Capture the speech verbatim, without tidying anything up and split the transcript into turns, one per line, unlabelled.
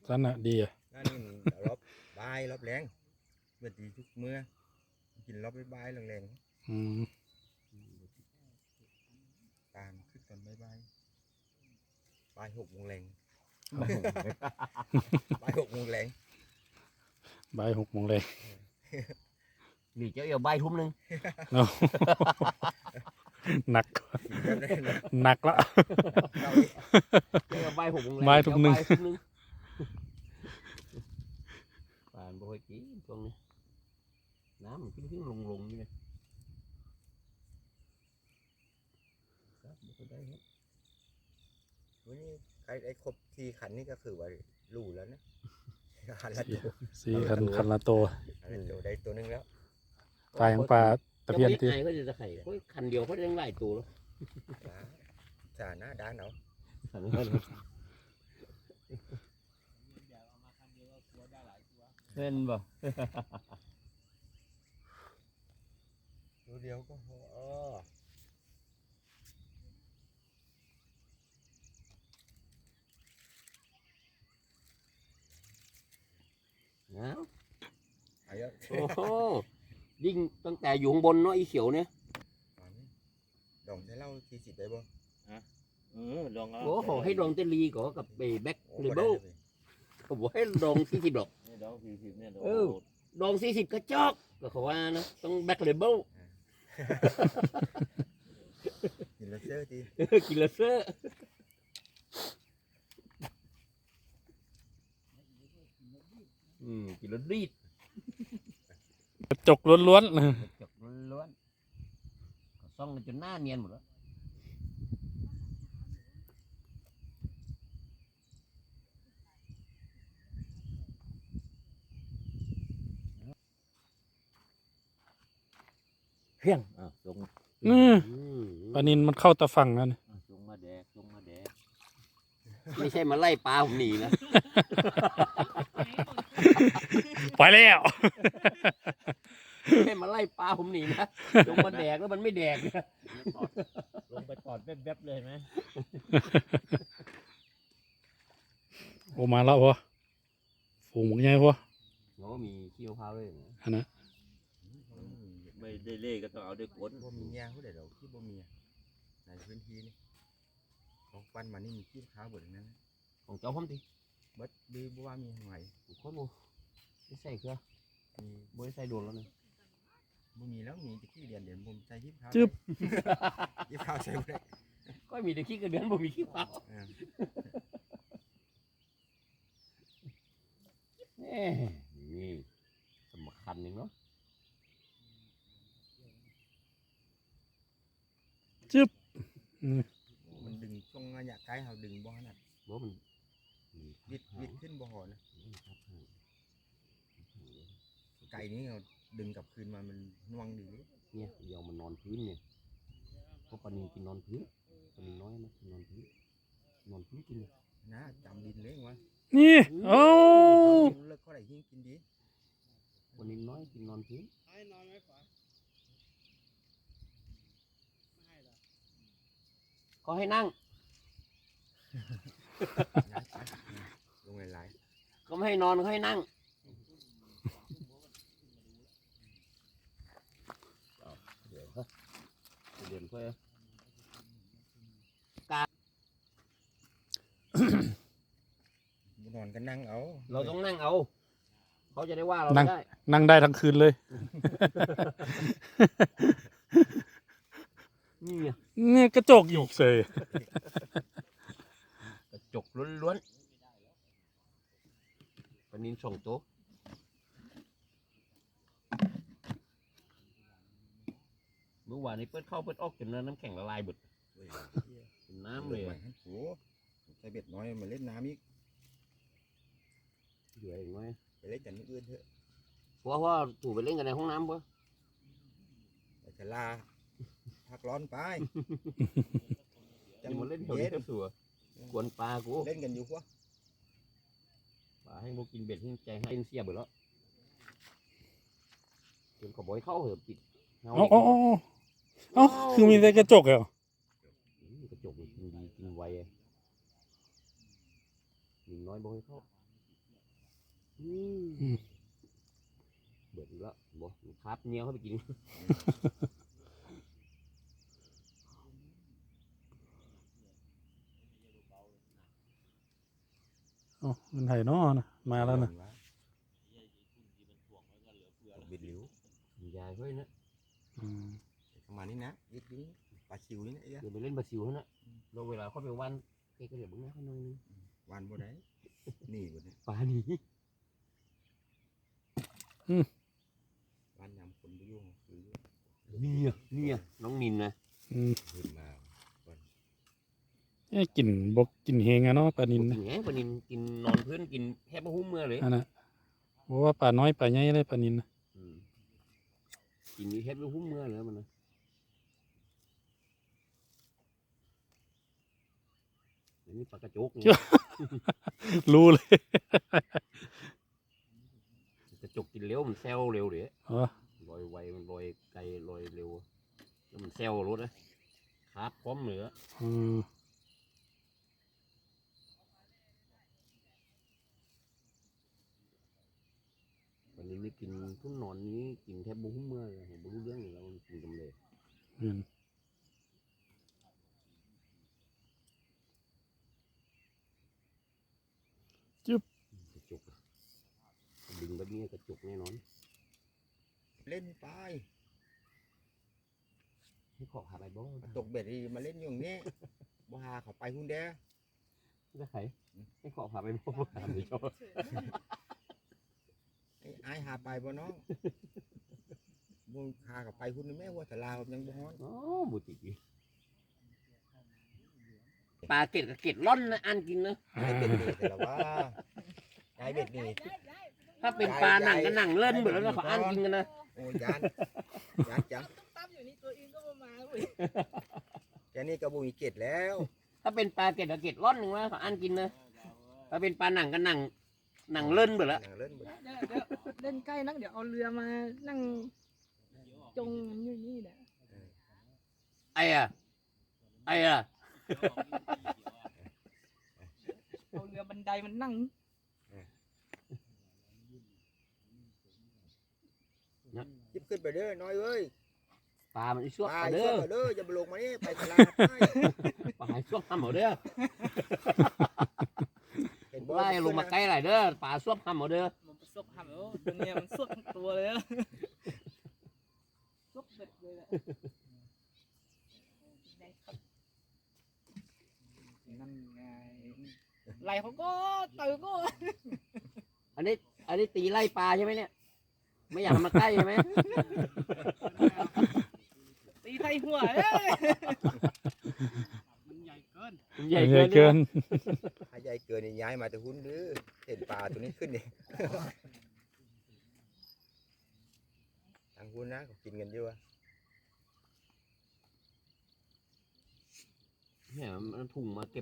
สั้นอ่ะดีอ่ะ
นั่นนี่รอบบายรอบแรงเมื่อตีทุกเมื่อกินรอบใบายแรงๆ
อืม
ตามขึ้นตอนบ่ายบ่ายบ่ายหกโมงแรงบ่ายหกโมงแรง
บ่ายหกโมงเลย
นี่เจ้าเอี่ยวใบทุ่มหนึ่ง
เนาะหนักหนักละ
เจ้าเอี่ยวใบหกโมงแรง
บ่ายทุ่มหนึ่ง
เจ้าบ่ายทุ่มหนึ่งป่านบ่ค่อยกินตรงนี้น้ำมันขึ้นขึ้นลงลงนี่เลยครับบ่ค่อยได้ครับ
วันนี้ไอ้ไอ้ครบสี่ขันนี่ก็คือว่ารู้แล้วนะขันละตัว
สี่คันคันละตัว
ขันละตัวได้ตัวหนึงแล้ว
ปลาของปลาตะเพียนที่
เจ้าบ่ได้ไงก็จะไข่โอ้ยคันเดียวเขาได้หลายตัวแล้ว
สาหน้าด้านเอา
คันเดียวเห็นบ่
ตัวเดียวก็พอเออ
นะ
ไอ้เยอะ
โอ้โหยิ่งตั้งแต่อยู่ข้างบนเนาะอีเขียวเนี่ย
ดองใช้เหล้าสี่สิบได้บ่
เออลองเอา
โอ้โหให้ลองเตลีก่อนกับแบ็ค
โอ้
เล
บ่
เบ
ได้
ล
เลย
ผมบอกให้ลองสี่สิบดอก
นี่ดอกสี่สิบเนี่ย
เออ ลองสี่สิบกระจอกก็เขาว่านะต้องแบ็คเลเบล
กินแล้วเสื้อที
กินละเซอร์อืมกินละรีด
กระจกล้วนๆ
กระจกล้วนๆก็ซ่องกันจนหน้าเนียนหมดแล้วเพียงอ่ะลง
อืม
อืม
ปลานินมันเข้าตะฝั่งนั่น
อ่ะลงมาแดกลงมาแดกไม่ใช่มาไล่ปลาผมหนีนะ
ไปแล้ว
ไม่ใช่มาไล่ปลาผมหนีนะลงมาแดกแล้วมันไม่แดกเนี่ย
ลงไปตอดแวบๆเลยไหม
โอมาแล้วพอฝูงหมกใหญ่พอ
โอ้มีขี้มะพร้าวด้วยนะ
อันนั้น
ไม่ได้เล่ก็ต้องเอาด้วยกล
บ่มีเงี้ยผู้ใดดอกที่บ่มีอะในพื้นที่นี่ของปันมานี่มีขี้ขาวหมดทั้งนั้น
ของเจ้าผมดิ
เบิดดีบ่ว่ามีหอย
ผมคนบ่ไม่ใส่เครือ
มี
บ่ได้ใส่โดนแล้วนี่
บ่มีแล้วมีแตะขี้เดียนเดี๋ยวผมใส่ขี้ขาว
จึ๊บ
ขี้ขาวใส่บ่ได้
ก็มีแต่ขี้กระเดือนบ่มีขี้เปล่า
เออ
แหม่นี่สำคัญหนึงเนาะ
อืม
มันดึงช่วงระยะไกลเฮาดึงบ่ถนัด
บ่มัน
วิดวิดขึ้นบ่หอนะไก่นี้เราดึงกลับคืนมามันน่วงดีเลย
เนี่ยเดี๋ยวมันนอนพื้นเนี่ยเพราะปลานินกินนอนพื้นปลานินน้อยนะกินนอนพื้นนอนพื้นกินเนี่ย
นะจำดินเลยวะ
นี่โอ้
เลิกเขาได้หิ้งกินดี
ปลานินน้อยกินนอนพื้นก็ให้นั่ง
ย้ายไปลงหลาย
ก็ไม่ให้นอนก็ให้นั่งเอาเดี๋ยวฮะเดี๋ยวค่อย
ๆนอนก็นั่งเอา
เราต้องนั่งเอา เขาจะได้ว่าเราไม่ได้
นั่งได้ทั้งคืนเลย
นี่ไง
นี่กระจกอีกเสย
กระจกล้วนๆปลานินสองตัวเมื่อวานนี้เปิดเข้าเปิดออกจนน้ำแข็งละลายหมด
เว้ย
เป็นน้ำเลย
ใหม่
อะ
ให้โอ้ใส่เบ็ดน้อยมาเล่นน้ำอีก
เหลืออีกไหม
ไปเล่นกันที่อื่นเถอะ
เพราะว่าถูกไปเล่นกันในห้องน้ำปะ
ไปชะลาพักร้อนไป
จะมาเล่นแถวนี้ก็สัวกวนปลากู
เล่นกันอยู่พวก
ปลาให้พวกกินเบ็ดให้ใจให้เสียเบิดแล้วจนขบอยเข้าเหอะปิดเงา
เอ้าเอ้าเอ้าเอ้าคือมีแต่กระจกเหรอ
อืมกระจกมันกินดีกินไวอะหนึ่งน้อยบ่ให้เข้าอืม
อืม
เบิดแล้วบ่ครับเหนียวเข้าไปกิน
เอ๋อมันไห่นอนะมาแล้วนะ
บิดหลิวย
ายเฮ้ยนะ
อืม
ประมาณนี้นะยิดดิ้งปลาชิวนี่นะไอ้
เดี๋ยวไปเล่นบาซิลนะเราเวลาเขาไปวันแกก็เดี๋ยวบึ้งนะเขาหน่อยนึง
วันบ่ได้นี่บ่ได้
ปลาหนี
วันยำคนบ่ยุ่งคือ
เนี่ยเนี่ยน้องนินนะ
อืม
ขึ้นมาวัน
เอ้ยกินบกกินเฮงอะเนาะปลานิน
กิ
นะ
นไงปลานินกินนอนพื้นกินแทบไม่หุ้มเมื่อเลย
อันน่ะบอกว่าปลาน้อยปลาใหญ่เลยปลานินนะ
อืมกินนี่แทบไม่หุ้มเมื่อเลยมันนะอันนี้ปลากระจกเนี่ย
รู้เลย
กระจกกินเร็วมันแซวเร็วเดี๋ยว
อ๋อ
ลอยไวมันลอยไกลลอยเร็วแล้วมันแซวรถนะขาพร้อมเหนือ
อืม
วันนี้ไม่กินทุ่นนอนนี้กินแทบบุ้มเมื่อเลยผมไม่รู้เรื่องเลยแล้วมันกินกำเลย
อืม
กระจกอะดึงแบบนี้กระจกแน่นอน
เล่นไป
ให้ขอหาไปบ่
ตกเบ็ดนี่มาเล่นอยู่อย่างนี้บ่หาเขาไปหุ่นเด้อ
ได้ไขให้ขอหาไปบ่หาไปชอบ
ไอ้ไอ้หาไปบ่น้องบ่หาเขาไปหุ่นนี่แม่ว่าแต่ลาวยังบ่ฮ้อน
อ๋อบุตรีปลาเกล็ดกับเกล็ดร่อนนะอันกินนะ
ไอ้เบ็ดนี่แต่ละว่าไอ้เบ็ดนี่
ถ้าเป็นปลาหนังก็หนังเล่นหมดแล้วนะเขาอันกินกันนะ
โอ้ยานยานจัง
ตั้มอยู่นี่ตัวเองก็มาเว้ย
แค่นี้ก็บ่มีเกล็ดแล้ว
ถ้าเป็นปลาเกล็ดกับเกล็ดร่อนหนึ่งนะเขาอันกินนะถ้าเป็นปลาหนังก็หนังหนังเล่นหมดแล้ว
หนังเล่นบ่
เดี๋ยวเดี๋ยวเล่นใกล้นักเดี๋ยวเอาเรือมานั่งจงมันอยู่นี่แหละ
ไอ้อะไอ้อะ
เอาเรือบันไดมันนั่ง
ยิบขึ้นไปเด้อน้อยเอ้ย
ปลามันอีช่วง
ไป
เอา
เด้
เด้อ
อเด้ออย่าไปลงมานี่ไปตลาดไป
ปลาช่วงทำเอาเด้อ
เห็นบ่
ไล่ลงมาใกล้หน่อยเด้อปลาช่วงทำเอาเด้อ
มันสวบหำแล้วตัวเนี้ยมันสวบทั้งตัวเลยอะสวบเบ็ดเลยแหละได้ครับนั่นไงไหลเขาก็ตื่นก็
อันนี้อันนี้ตีไล่ปลาใช่ไหมเนี่ยไม่อยากมาใกล้ใช่ไหม
ตีไทยหัวเอ้ย
ใหญ่
ใหญ่
เกิน
เกิน
ถ้าใหญ่เกินนี่ย้ายมาแต่หุ้นเด้อเห็นปลาตัวนี้ขึ้นนี่ ทางหุ้นนะเขากินกันเยอะ
เนี่ยมันถุงมาเก็บ